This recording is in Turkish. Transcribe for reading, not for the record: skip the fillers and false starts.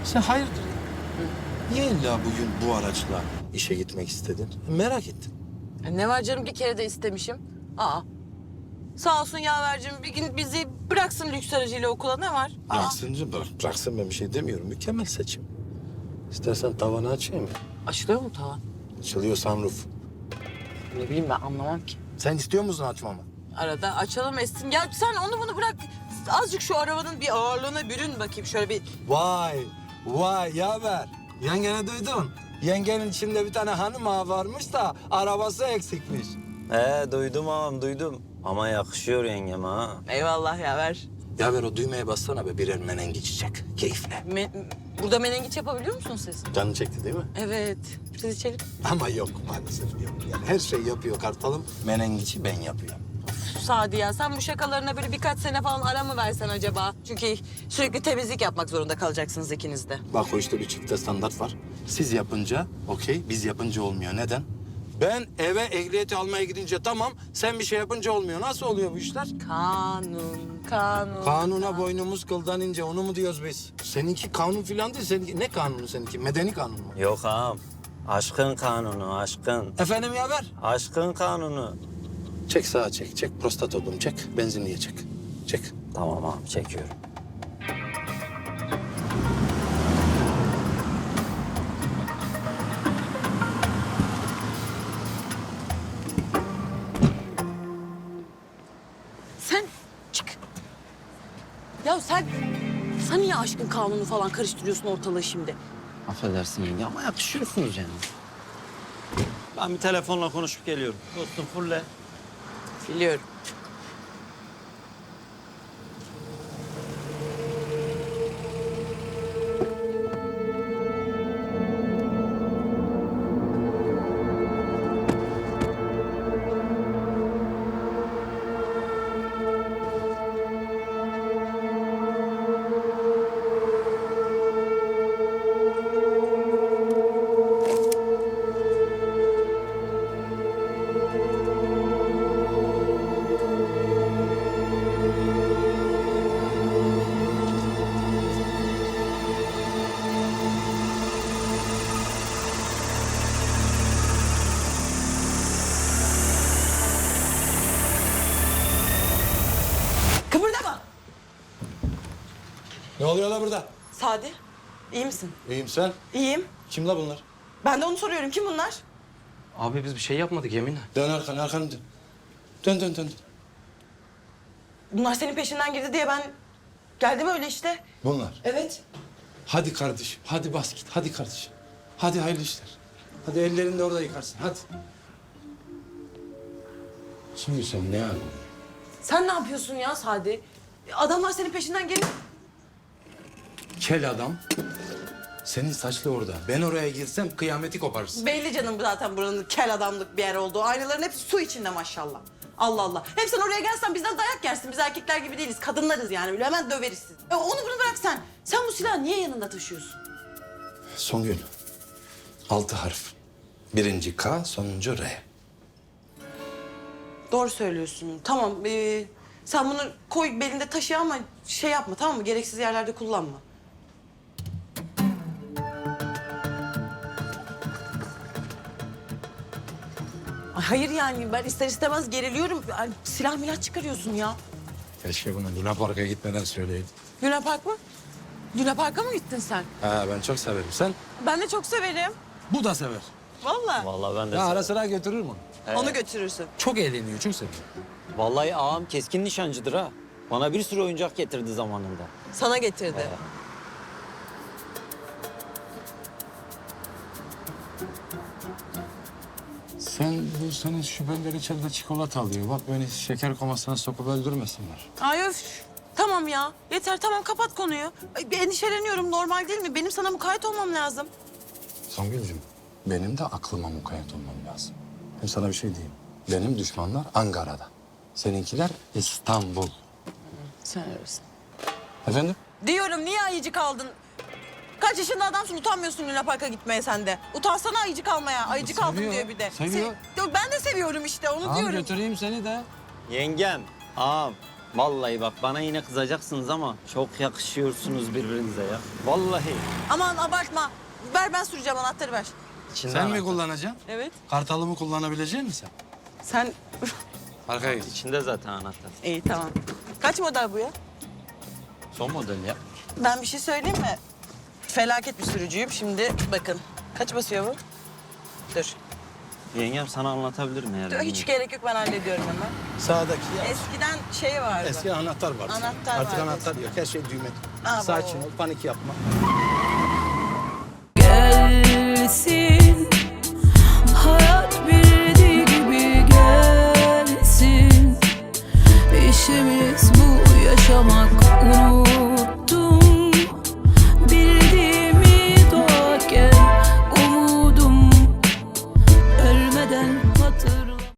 Sen hayırdır? Niye illa bugün bu araçla işe gitmek istedin? Merak ettim. Ne var canım, bir kere de istemişim. Aa. Sağ olsun yavercim, bir gün bizi bıraksın lüks aracıyla okula, ne var? Bıraksın, bıraksın, ben bir şey demiyorum. Mükemmel seçim. İstersen tavanı açayım mı? Açılıyor mu tavan? Açılıyor sunroof. Ne bileyim, ben anlamam ki. Sen istiyor musun açmamı? Arada açalım etsin. Ya sen onu bunu bırak. Azıcık şu arabanın bir ağırlığına bürün bakayım. Şöyle bir... Vay yaver. Yengeni duydun. Yengenin içinde bir tane hanım ağa varmış da arabası eksikmiş. Duydum ağam duydum. Ama yakışıyor yengeme ha. Eyvallah yaver. Yaver o düğmeye bassana be, birer menengiç çek. Keyifle. Burada menengiç yapabiliyor musunuz siz? Canın çekti değil mi? Evet. Biz içelim. Ama yok maalesef yok. Yani her şey yapıyor kartalım. Menengiçi ben yapıyorum. Sadi ya, sen bu şakalarına böyle birkaç sene falan ara mı versen acaba? Çünkü sürekli temizlik yapmak zorunda kalacaksınız ikiniz de. Bak o işte bir çifte standart var. Siz yapınca okey, biz yapınca olmuyor. Neden? Ben eve ehliyeti almaya gidince tamam, sen bir şey yapınca olmuyor. Nasıl oluyor bu işler? Kanun. Kanuna boynumuz kıldan ince, onu mu diyoruz biz? Seninki kanun filan değil, seninki ne kanunu seninki? Medeni kanun mu? Yok ağam. Aşkın kanunu, aşkın. Efendim yaver? Aşkın kanunu. Çek sağa çek, çek prostat oğlum çek, benzinliğe çek. Çek. Tamam ağam, çekiyorum. Sen çık. Ya sen niye aşkın kanunu falan karıştırıyorsun ortalığı şimdi? Affedersin yenge ama yakışıyorsunuz yani. Ben bir telefonla konuşup geliyorum. Dostum fulle. Biliyorum. Kıpırdama. Ne oluyor la burada? Sadi, iyi misin? İyiyim sen. İyiyim. Kim la bunlar? Ben de onu soruyorum. Kim bunlar? Abi biz bir şey yapmadık yeminle. Dön arkanı dön. Dön. Bunlar senin peşinden girdi diye ben geldim öyle işte. Bunlar. Evet. Hadi kardeşim, hadi bas git, hadi kardeşim. Hadi hayırlı işler. Hadi ellerini de orada yıkarsın, hadi. Şimdi sen ne yapıyorsun? Sen ne yapıyorsun ya Sadi? Adamlar senin peşinden gelip... Kel adam. Senin saçlı orada. Ben oraya girsem kıyameti koparırsın. Belli canım zaten buranın kel adamlık bir yer olduğu. Aynaların hepsi su içinde maşallah. Allah Allah. Hem sen oraya gelsen bizden dayak yersin. Biz erkekler gibi değiliz. Kadınlarız yani. Böyle hemen döveriz sizi. Onu bunu bırak sen. Sen bu silahı niye yanında taşıyorsun? Songül. 6 harf. Birinci K, sonuncu R. Doğru söylüyorsun. Tamam. Sen bunu koy belinde taşı ama şey yapma, tamam mı? Gereksiz yerlerde kullanma. Ay hayır yani ben ister istemez geriliyorum. Ay, silah milah çıkarıyorsun ya. Keşke bunu Luna Park'a gitmeden söyleydin. Luna Park mı? Luna Park'a mı gittin sen? Ha, ben çok severim. Sen? Ben de çok severim. Bu da sever. Vallahi. Vallahi ben de Ya ara severim. sıra götürür mü? Onu götürürsün. Çok eğleniyor, çok seviyor. Vallahi ağam keskin nişancıdır ha. Bana bir sürü oyuncak getirdi zamanında. Sana getirdi. Sen bu senin şüpheliler içeride çikolata alıyor. Bak beni şeker komasına sokup öldürmesinler. Ay öf. Tamam ya. Yeter tamam kapat konuyu. Ay, bir endişeleniyorum normal değil mi? Benim sana mukayyet olmam lazım. Songül'cüm, benim de aklıma mukayyet olmam lazım. Hem sana bir şey diyeyim. Benim düşmanlar Ankara'da. Seninkiler İstanbul. Sen öylesin. Efendim? Diyorum niye ayıcık aldın? Kaç yaşında adamsın utanmıyorsun Luna Park'a gitmeye sen de. Utansana ayıcık almaya. Ayıcık aldım Seviyor, diyor bir de. seviyor. Yok, ben de seviyorum işte onu Tamam diyorum. götüreyim seni de. Yengem, ağam Vallahi bak bana yine kızacaksınız ama çok yakışıyorsunuz birbirinize ya. Vallahi. Aman abartma. Ver ben süreceğim anahtarı ver. İçinde Sen mi anahtar. kullanacaksın? Evet. Kartalımı kullanabilecek misin sen? Sen... Arkaya geç. İçinde zaten anahtar. İyi tamam. Kaç model bu ya? Son model ya. Ben bir şey söyleyeyim mi? Felaket bir sürücüyüm. Şimdi bakın. Kaç basıyor bu? Dur. Yengem sana anlatabilirim eğer. Dur, hiç gerek yok ben hallediyorum hemen. Sağdaki ya. Eskiden şey vardı. Eski anahtar var. Anahtar Artık vardı anahtar yok. Her şey düğme. Aa, Sakin bravo. ol, panik yapma. Gelsin hayat bildiği gibi gelsin. İşimiz bu yaşamak, unut